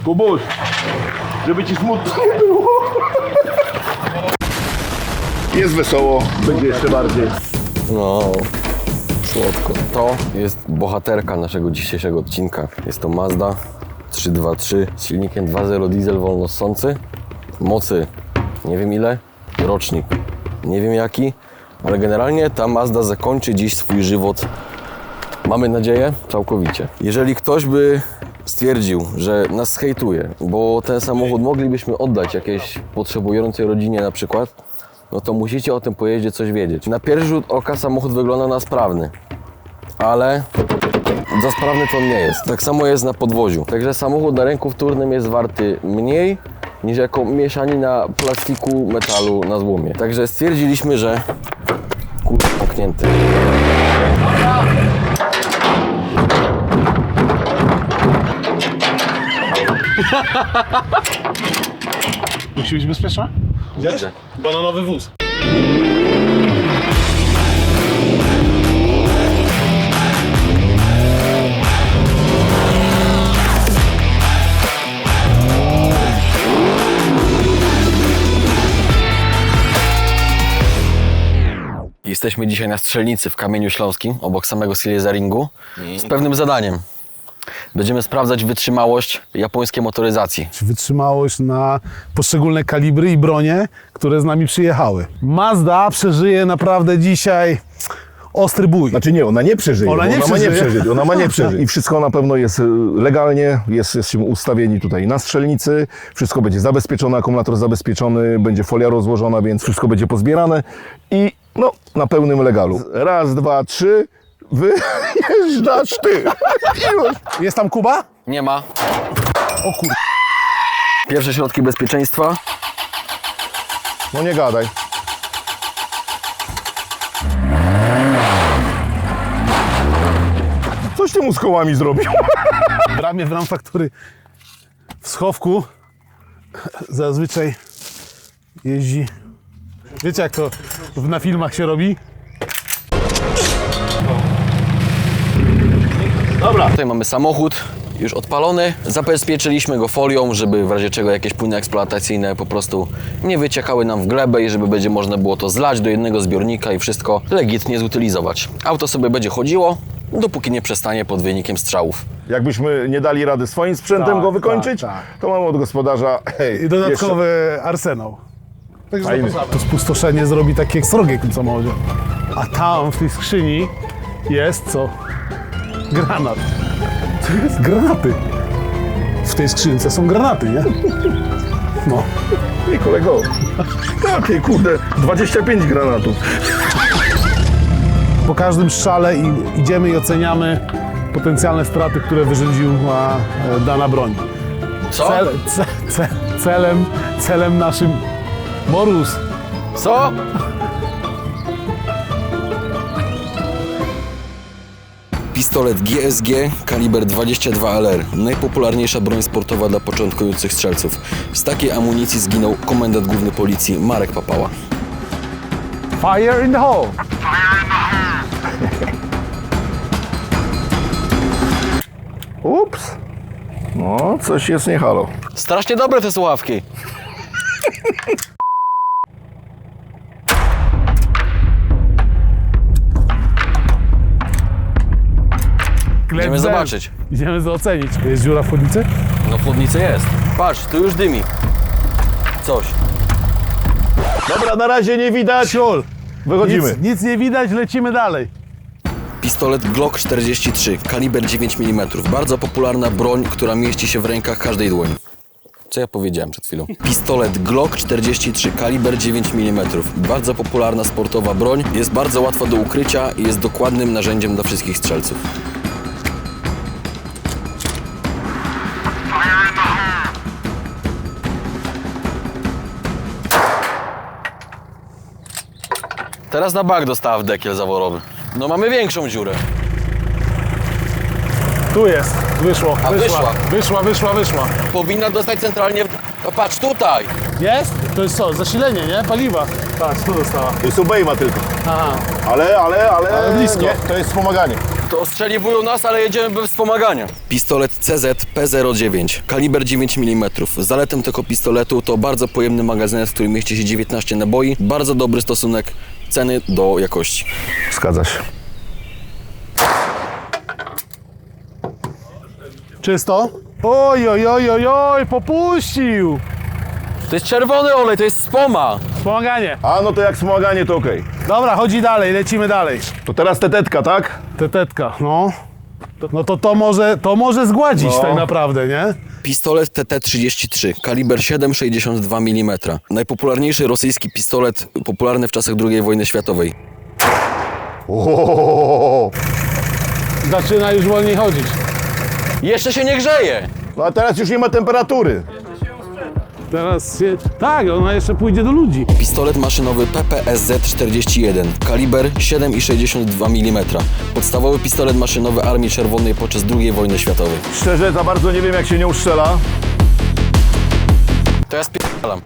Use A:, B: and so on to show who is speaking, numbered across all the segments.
A: Kubuś, żeby ci smutno nie było. Jest wesoło, będzie jeszcze bardziej.
B: No, słodko. To jest bohaterka naszego dzisiejszego odcinka. Jest to Mazda 323 z silnikiem 2.0 diesel wolnossący. Mocy nie wiem ile, rocznik nie wiem jaki, ale generalnie ta Mazda zakończy dziś swój żywot, mamy nadzieję, całkowicie. Jeżeli ktoś by stwierdził, że nas hejtuje, bo ten samochód moglibyśmy oddać jakiejś potrzebującej rodzinie na przykład, no to musicie o tym pojeździe coś wiedzieć. Na pierwszy rzut oka samochód wygląda na sprawny, ale za sprawny to on nie jest. Tak samo jest na podwoziu. Także samochód na rynku wtórnym jest warty mniej niż jako mieszanina plastiku, metalu na złomie. Także stwierdziliśmy, że zamknięty.
C: Musi być bezpieczna?
B: Widzę.
C: Bananowy wóz.
B: Jesteśmy dzisiaj na strzelnicy w Kamieniu Śląskim, obok samego Silesiaringu, z pewnym zadaniem. Będziemy sprawdzać wytrzymałość japońskiej motoryzacji.
C: Wytrzymałość na poszczególne kalibry i bronie, które z nami przyjechały. Mazda przeżyje naprawdę dzisiaj ostry bój.
A: Znaczy nie, ona nie przeżyje.
C: Ona nie
A: ma
C: przeżyje.
A: nie przeżyć. Ona ma nie przeżyć. I wszystko na pewno jest legalnie, jesteśmy ustawieni tutaj na strzelnicy, wszystko będzie zabezpieczone, akumulator zabezpieczony, będzie folia rozłożona, więc wszystko będzie pozbierane i no, na pełnym legalu. Raz, dwa, trzy, wyjeżdżasz ty.
C: Jest tam Kuba?
B: Nie ma.
C: O kur...
B: Pierwsze środki bezpieczeństwa.
A: No nie gadaj. Coś ty mu z kołami zrobił?
C: W ramie w ram faktury w schowku zazwyczaj jeździ. Wiecie jak to na filmach się robi?
B: Dobra. Tutaj mamy samochód już odpalony. Zabezpieczyliśmy go folią, żeby w razie czego jakieś płyny eksploatacyjne po prostu nie wyciekały nam w glebę i żeby będzie można było to zlać do jednego zbiornika i wszystko legitnie zutylizować. Auto sobie będzie chodziło, dopóki nie przestanie pod wynikiem strzałów.
A: Jakbyśmy nie dali rady swoim sprzętem
C: Tak,
A: go wykończyć,
C: tak.
A: to mamy od gospodarza
C: I dodatkowy arsenał. Także
A: Fajny.
C: to spustoszenie zrobi takie srogie w tym samochodzie. A tam w tej skrzyni jest co? Granat. To jest granaty. W tej skrzynce są granaty, nie? No.
A: Ej kolego, takie kurde, 25 granatów.
C: Po każdym strzale idziemy i oceniamy potencjalne straty, które wyrządziła dana broń.
B: Co?
C: Celem naszym... Morus!
B: Co? Pistolet GSG kaliber 22 LR. Najpopularniejsza broń sportowa dla początkujących strzelców. Z takiej amunicji zginął komendant główny policji Marek Papała.
C: Fire in the hole!
A: Ups. No, coś jest nie halo.
B: Strasznie dobre te słuchawki. Idziemy zobaczyć.
C: Idziemy to ocenić. Jest dziura w chłodnicy?
B: No w chłodnicy jest. Patrz, tu już dymi. Coś.
A: Dobra, na razie nie widać.
C: Siol!
A: Wychodzimy.
C: Nic nie widać, lecimy dalej.
B: Pistolet Glock 43, kaliber 9 mm. Bardzo popularna broń, która mieści się w rękach każdej dłoni. Co ja powiedziałem przed chwilą? Pistolet Glock 43, kaliber 9 mm. Bardzo popularna sportowa broń. Jest bardzo łatwa do ukrycia i jest dokładnym narzędziem dla wszystkich strzelców. Teraz na bak dostała w dekiel zaworowy. No mamy większą dziurę.
C: Tu jest. Wyszło.
B: A
C: Wyszła.
B: Powinna dostać centralnie... No patrz tutaj!
C: Jest? To jest co? Zasilenie, nie? Paliwa. Patrz, tu dostała.
A: To jest obejma tylko.
C: Aha.
A: Ale
C: Ale blisko.
A: Nie, to jest wspomaganie.
B: To ostrzeliwują nas, ale jedziemy bez wspomagania. Pistolet CZ P09, kaliber 9 mm. Zaletą tego pistoletu to bardzo pojemny magazynek, w którym mieści się 19 naboi. Bardzo dobry stosunek ceny do jakości.
A: Zgadza się.
C: Czysto? Oj, oj, oj, oj, oj, popuścił!
B: To jest czerwony olej, to jest spoma.
C: Wspomaganie.
A: A no to jak wspomaganie to okej.
C: Dobra, chodzi dalej, lecimy dalej.
A: To teraz tetetka, tak?
C: Tetetka, no. No to może zgładzić
A: No.
C: tak naprawdę, nie?
B: Pistolet TT-33, kaliber 7,62 mm. Najpopularniejszy rosyjski pistolet, popularny w czasach II wojny światowej.
A: O,
C: Zaczyna już wolniej chodzić.
B: Jeszcze się nie grzeje.
A: no a teraz już nie ma temperatury.
C: Teraz się... Tak, ona jeszcze pójdzie do ludzi.
B: Pistolet maszynowy PPSZ-41, kaliber 7,62 mm. Podstawowy pistolet maszynowy Armii Czerwonej podczas II wojny światowej.
A: Szczerze, za bardzo nie wiem, jak się nie uszczela.
B: To ja spierdalam.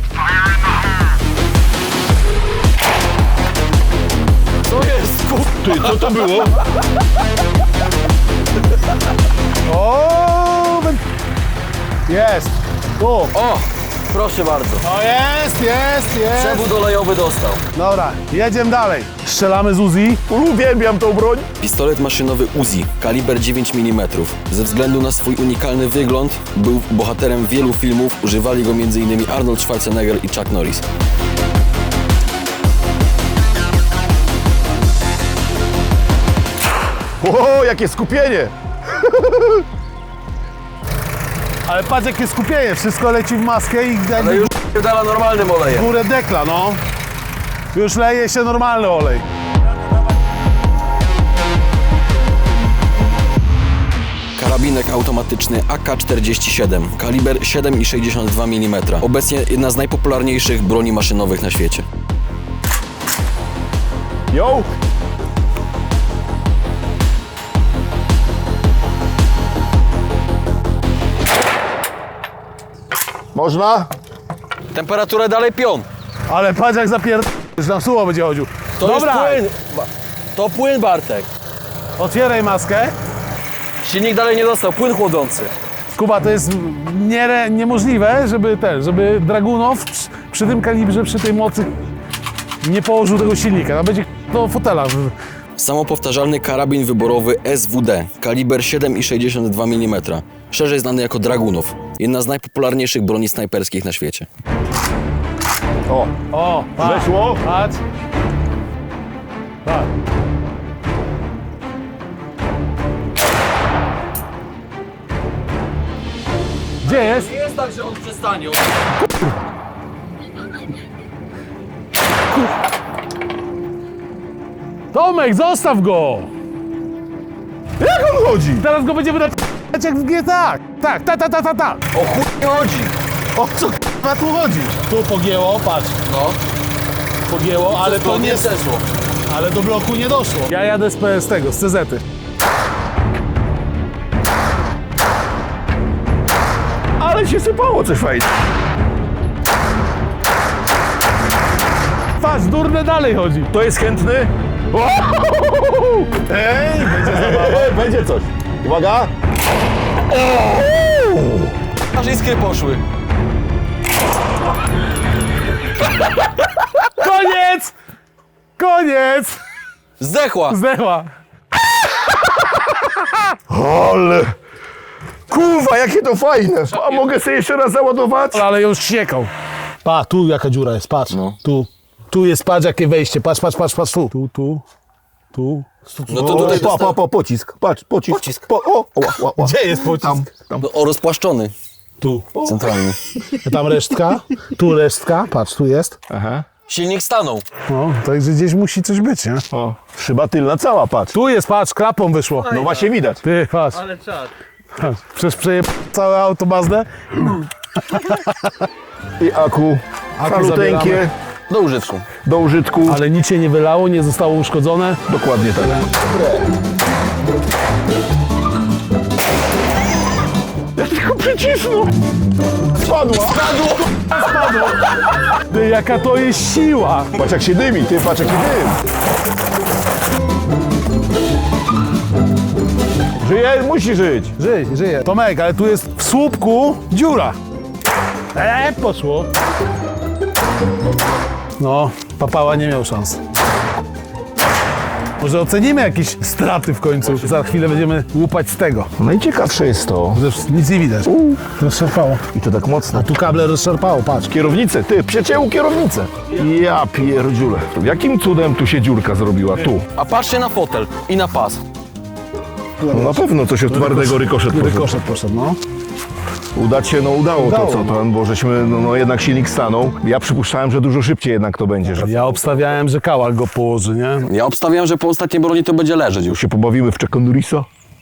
B: Co jest,
A: Ty, co to było?
C: O, jest. Tu.
B: O, proszę bardzo.
C: O, jest.
B: Przewód olejowy dostał.
C: Dobra, jedziemy dalej. Strzelamy z Uzi.
A: Uwielbiam tą broń.
B: Pistolet maszynowy Uzi, kaliber 9 mm. Ze względu na swój unikalny wygląd był bohaterem wielu filmów. Używali go m.in. Arnold Schwarzenegger i Chuck Norris.
A: O, jakie skupienie.
C: Ale patrz jakie skupienie, wszystko leci w maskę i
B: Ale
C: jakby
B: już dala normalnym olejem.
C: górę dekla, no. Już leje się normalny olej.
B: Karabinek automatyczny AK-47, kaliber 7,62 mm. Obecnie jedna z najpopularniejszych broni maszynowych na świecie.
A: Yo. Można?
B: Temperaturę dalej pion.
C: Ale patrz jak że na suło będzie chodził. Dobra,
B: Już płyn. To płyn, Bartek.
C: otwieraj maskę.
B: Silnik dalej nie dostał, płyn chłodzący.
C: Kuba, to jest niemożliwe, żeby Dragunow przy tym kalibrze, przy tej mocy nie położył tego silnika. To będzie do fotela.
B: Samopowtarzalny karabin wyborowy SWD, kaliber 7,62 mm. Szerzej znany jako Dragunow. Jedna z najpopularniejszych broni snajperskich na świecie.
A: O,
C: O, patrz,
A: weszło?
C: patrz. Tak. Gdzie jest?
B: Nie jest tak, że on przestanie.
C: Tomek, zostaw go!
A: Jak on chodzi?
C: Teraz go będziemy napierać jak w GTA. Tak.
B: O chuj nie chodzi.
C: O co k***a tu chodzi? Tu pogięło, patrz.
B: No,
C: Pogięło, ale to nie...
B: przeszło.
C: Ale do bloku nie doszło. Ja jadę z tego, z CZ-y.
A: Ale się sypało coś fajnie.
C: Patrz, durne dalej chodzi.
A: To jest chętny?
C: Ej, będzie zabawa.
A: Będzie coś. Uwaga.
B: Aż iskry poszły.
C: Koniec! Koniec!
B: Zdechła.
C: Zdechła.
A: Ale... Kurwa, jakie to fajne. A mogę sobie jeszcze raz załadować?
C: Ale już siekał. Pa, tu jaka dziura jest, patrz.
B: No.
C: Tu jest, patrz jakie wejście, patrz, tu. Tu.
B: No to tutaj
A: pocisk. Patrz, pocisk.
B: Pocisk.
C: Gdzie jest pocisk?
A: Tam.
B: O, rozpłaszczony.
C: Tu.
B: Centralny.
C: Tam resztka, tu resztka, patrz, tu jest.
A: Aha.
B: Silnik stanął.
C: No, także gdzieś musi coś być, nie?
A: O, szyba tylna cała, patrz.
C: Tu jest, patrz, klapą wyszło.
A: No właśnie widać.
C: Ty, patrz.
B: Ale czad.
C: Przecież przejeb całe auto Mazdę.
A: I aku. Maluteńkie.
C: zabieramy.
B: Do użytku.
A: Do użytku.
C: Ale nic się nie wylało, nie zostało uszkodzone.
A: Dokładnie tak. Ja tylko przycisnął. Spadła.
C: Spadło. Ty, jaka to jest siła.
A: Patrz jak się dymi, ty patrz jaki dym. Żyje, musi żyć.
C: Żyje. Tomek, ale tu jest w słupku dziura. Poszło. No, papała nie miał szans. Może ocenimy jakieś straty w końcu. Za chwilę będziemy łupać z tego.
A: Najciekawsze jest to.
C: Zresztą nic nie widać. Rozszarpało.
A: I to tak mocno.
C: A tu kable rozszarpało, patrz.
A: Kierownicę, ty, przecięło kierownicę. Ja pierdziule. Jakim cudem tu się dziurka zrobiła? Tu.
B: A patrzcie na fotel i na pas.
A: No na pewno coś od twardego rykoszet poszedł.
C: Rykoszet poszedł, no.
A: Udać się, no udało to,
C: Udało,
A: co tam, bo żeśmy, no jednak silnik stanął. Ja przypuszczałem, że dużo szybciej jednak to będzie, że
C: Ja obstawiałem, że Kałak go położy, nie?
B: Ja obstawiam, że po ostatniej broni to będzie leżeć już.
A: się pobawimy w Chucka Norrisa.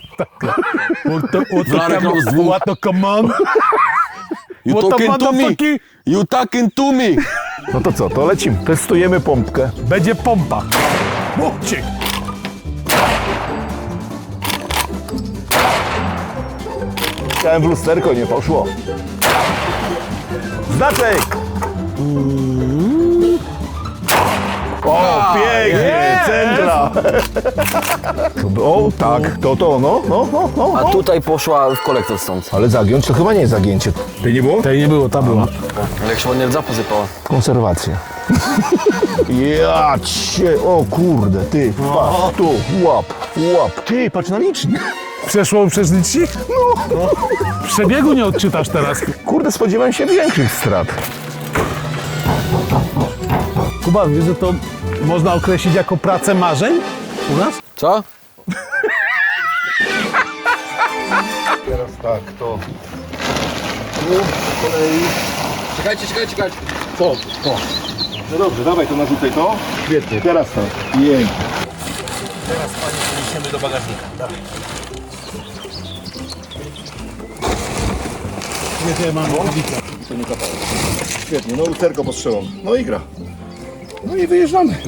B: Lara Croft z dwóch.
C: What the come on?
B: You
C: What the
B: talking to me?
C: motherfucker?
B: You talking to me?
A: No to co, to lecimy. Testujemy pompkę.
C: Będzie pompa. Mówcie.
A: Chciałem w lusterko, nie poszło. Znaczek! O, pięknie, centra! O, tak, to, no.
B: A tutaj poszła w kolektor stąd.
A: Ale zagiąć to chyba nie jest zagięcie. Tej nie było?
C: Tej nie było, ta była.
B: Ale jak się ładnie rdza posypała.
A: Konserwacja. Ja cię, o kurde, ty, patrz, tu, łap. Ty, patrz na licznik.
C: Przeszło przez licznik? No. Przebiegu nie odczytasz teraz.
A: Kurde, spodziewałem się większych strat.
C: Kuba, wiesz, że to można określić jako pracę marzeń u nas?
B: Co?
A: Teraz tak, to... Tu, po kolei.
B: Czekajcie.
A: No dobrze, dawaj to, narzucaj to. Świetnie, teraz tak. Jej.
C: Nie, mam rękawice.
A: To nie kapało. Świetnie, no lusterko pod strzelą. No i gra. No i wyjeżdżamy.